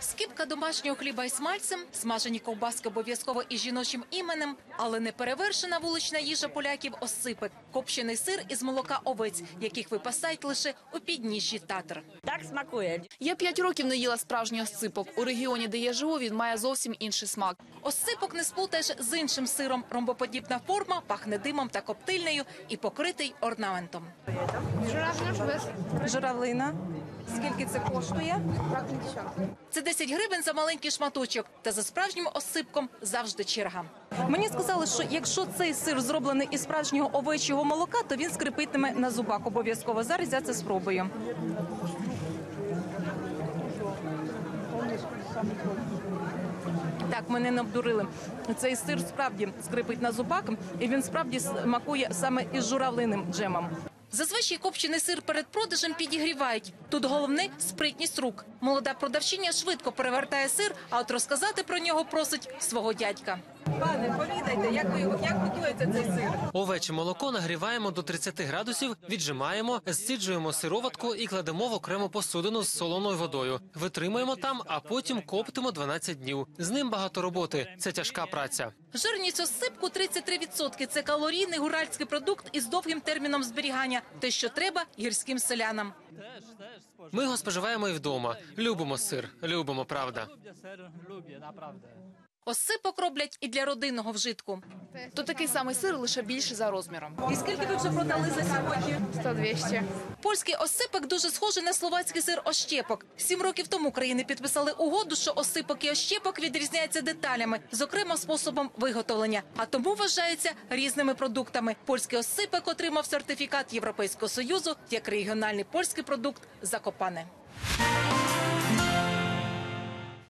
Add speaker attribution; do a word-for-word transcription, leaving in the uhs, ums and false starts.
Speaker 1: Скипка домашнього хліба із смальцем, смажені ковбаски обов'язково із жіночим іменем, але не перевершена вулична їжа поляків – осципок – копчений сир із молока овець, яких випасають лише у підніжжі Татр.
Speaker 2: Так смакує.
Speaker 3: Я п'ять років не їла справжній осципок. У регіоні, де я живу, він має зовсім інший смак.
Speaker 1: Осципок не сплутаєш з іншим сиром. Ромбоподібна форма, пахне димом та коптильнею і покритий орнаментом.
Speaker 4: Журавлина. Скільки це коштує?
Speaker 1: Це десять гривень за маленький шматочок. Та за справжнім осципком завжди черга.
Speaker 4: Мені сказали, що якщо цей сир зроблений із справжнього овечого молока, то він скрипитиме на зубах обов'язково. Зараз я це спробую. Так, мене не обдурили. Цей сир справді скрипить на зубах, і він справді смакує саме із журавлиним джемом.
Speaker 1: Зазвичай копчений сир перед продажем підігрівають. Тут головне – спритність рук. Молода продавчиня швидко перевертає сир, а от розказати про нього просить свого дядька.
Speaker 4: Пане, повідайте, як ви його, як готується цей сир?
Speaker 5: Овече молоко нагріваємо до тридцяти градусів, віджимаємо, зціджуємо сироватку і кладемо в окрему посудину з солоною водою. Витримуємо там, а потім коптимо дванадцять днів. З ним багато роботи. Це тяжка праця.
Speaker 1: Жирність осципку – тридцять три відсотки. Це калорійний гуральський продукт із довгим терміном зберігання. Те, що треба гірським селянам.
Speaker 5: Ми його споживаємо і вдома. Любимо сир. Любимо, правда.
Speaker 1: Осципок роблять і для родинного вжитку.
Speaker 3: То такий самий сир, лише більший за розміром.
Speaker 4: І скільки ви вже продали за сьогодні?
Speaker 3: сто-двісті.
Speaker 1: Польський осципок дуже схожий на словацький сир ощепок. Сім років тому країни підписали угоду, що осципок і ощепок відрізняються деталями, зокрема способом виготовлення, а тому вважаються різними продуктами. Польський осципок отримав сертифікат Європейського Союзу як регіональний польський продукт Закопане.